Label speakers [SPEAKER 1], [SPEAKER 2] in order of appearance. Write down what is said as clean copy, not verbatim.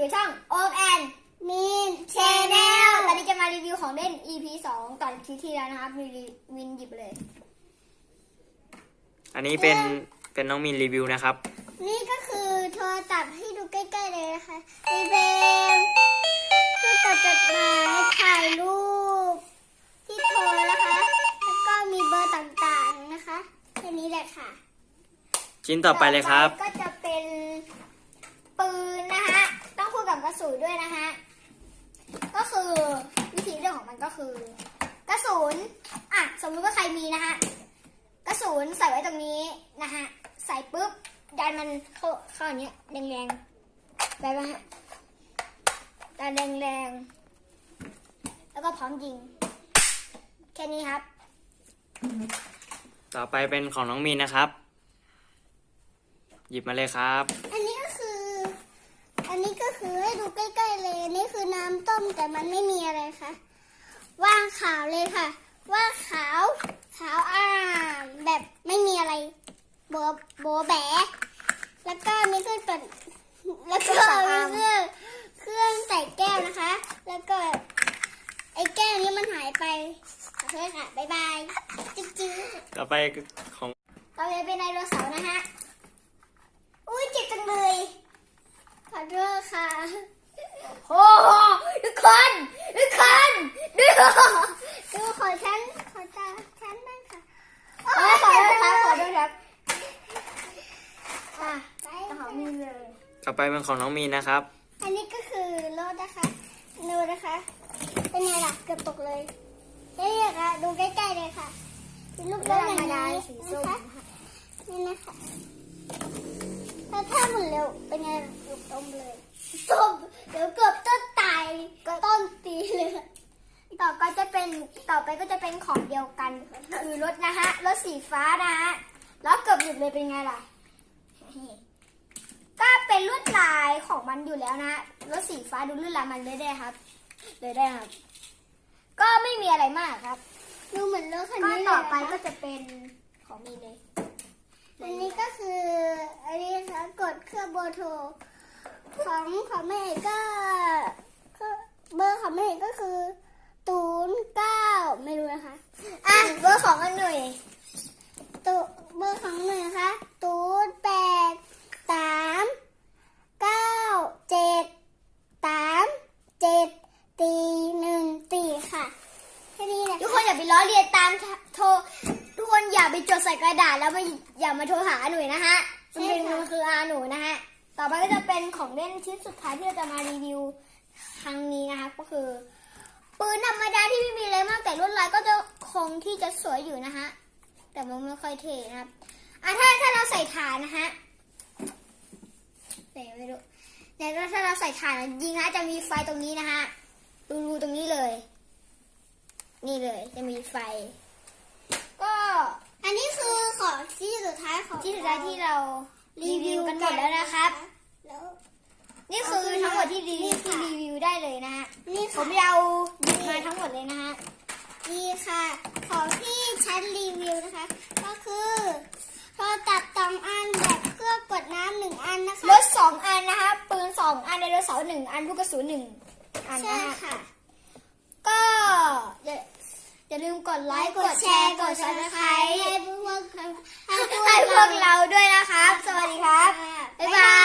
[SPEAKER 1] อยู่ช่องโอมแอนมีนชแนลตอนนี้จะมารีวิวของเล่น EP 2 ตอนคลิปที่แล้วนะครับวินหยิบเลย
[SPEAKER 2] อันนี้เป็นน้องมินรีวิวนะครับ
[SPEAKER 1] นี่ก็คือโทรศัพท์ให้ดูใกล้ๆเลยนะคะมีเป็นเครื่องจดหมายถ่ายรูปที่โทรนะคะ แล้วก็มีเบอร์ต่างๆนะคะแค่นี้แหละค่ะ
[SPEAKER 2] ชิ้นต่อไปเลยครับ
[SPEAKER 1] ก็จะเป็นปืนนะคะต้องคู่กับกระสุนด้วยนะคะก็คือวิธีเรื่องของมันก็คือกระสุนสมมติว่าใครมีนะคะกระสุนใส่ไว้ตรงนี้นะคะใส่ปุ๊บดันมันเข้าอย่างเงี้ยแรงๆไปป่ะฮะดันแรงๆแล้วก็พร้อมยิงแค่นี้ครับ
[SPEAKER 2] ต่อไปเป็นของน้องมินนะครับ หยิบมาเลยครับ
[SPEAKER 1] อันนี้ก็คือให้ดูใกล้ๆเลยนี่คือน้ำต้มแต่มันไม่มีอะไรค่ะว่างขาวเลยค่ะว่างขาวแบบไม่มีอะไรโบแบะแล้วก็มีเครื่องแล้วก็มีเครื่องใส่แก้วนะคะ แล้วก็ไอ้แก้วนี้มันหายไปขอโทษค่ะบ๊ายบายจื้อ
[SPEAKER 2] ต่อไปของ
[SPEAKER 1] ต่อไปเป็นไดโนเสาร์นะฮะอุ้ยเจ็บจังเลยขอโทษค่ะโอ้โหทุกคนดูขอฉันบ้างค่ะขอโทษครับต่อมีเลย
[SPEAKER 2] ต่อไปเป็นของน้องมินนะครับ
[SPEAKER 1] อันนี้ก็คือรถนะคะดูนะคะเป็นไงล่ะเกือบตกเลยนี่ค่ะดูใกล้ๆเลยค่ะเป็นรูปรถอย่างนี้นะคะนี่นะคะถ้าหมุนเร็วเป็นไงต้มเลยต้มเดี๋ยวเกือบต้นตายต้นตีเลยต่อไปก็จะเป็นของเดียวกันคือรถนะคะรถสีฟ้านะฮะแล้วเกือบหยุดเลยเป็นไงล่ะก็เป็นลวดลายของมันอยู่แล้วนะรถสีฟ้าดูลวดลายมันเลยได้ครับก็ไม่มีอะไรมากครับดูเหมือนรถคันนี้ต่อไปก็จะเป็นของมีเลยอันนี้ก็คืออันนี้นะคะกดเครื่องเบอร์โทรของแม่ก็เบอร์ของแม่ก็คือ09ไม่รู้นะคะเบอร์ของอันหน่วยเบอร์ของหน่วยนะคะ0838973741ค่ะแค่นี้แหละทุกคนอย่าไปล้อเลียนตามโทรทุกคนอย่าไปจดใส่กระดาษแล้วอย่ามาโทรหาหน่วยนะฮะมันคือหนูนะฮะต่อไปก็จะเป็นของเล่นชิ้นสุดท้ายที่เราจะมารีวิวครั้งนี้นะคะก็คือปืนธรรมดาที่ไม่มีอะไรมากแต่ลวดลายก็จะคงที่จะสวยอยู่นะฮะแต่มันไม่ค่อยเท่นะครับถ้าเราใส่ถ่านนะฮะแต่ไม่รู้แต่ถ้าเราใส่ถ่านยิงนะจะมีไฟตรงนี้นะฮะรูตรงนี้เลยนี่เลยจะมีไฟก็อันนี้คือของที่สุดท้ายที่เรารีวิวกันหมดแล้วนะครับนี่คือทั้งหมดที่รีวิวได้เลยนะฮะผมเอาหยิบมาทั้งหมดเลยนะฮะนี่ค่ะของที่ฉันรีวิวนะคะก็คือโทรศัพท์2 อันแบบเครื่องกดน้ำ1 อันนะคะรถ2 อันนะคะปืน2 อันไดโนเสาร์1 อันลูกกระสุน1 อันนะค่ะก็อย่าลืมกดไลค์กดแชร์กด Subscribe ให้พวกเราด้วยนะครับสวัสดีครับบ๊ายบาย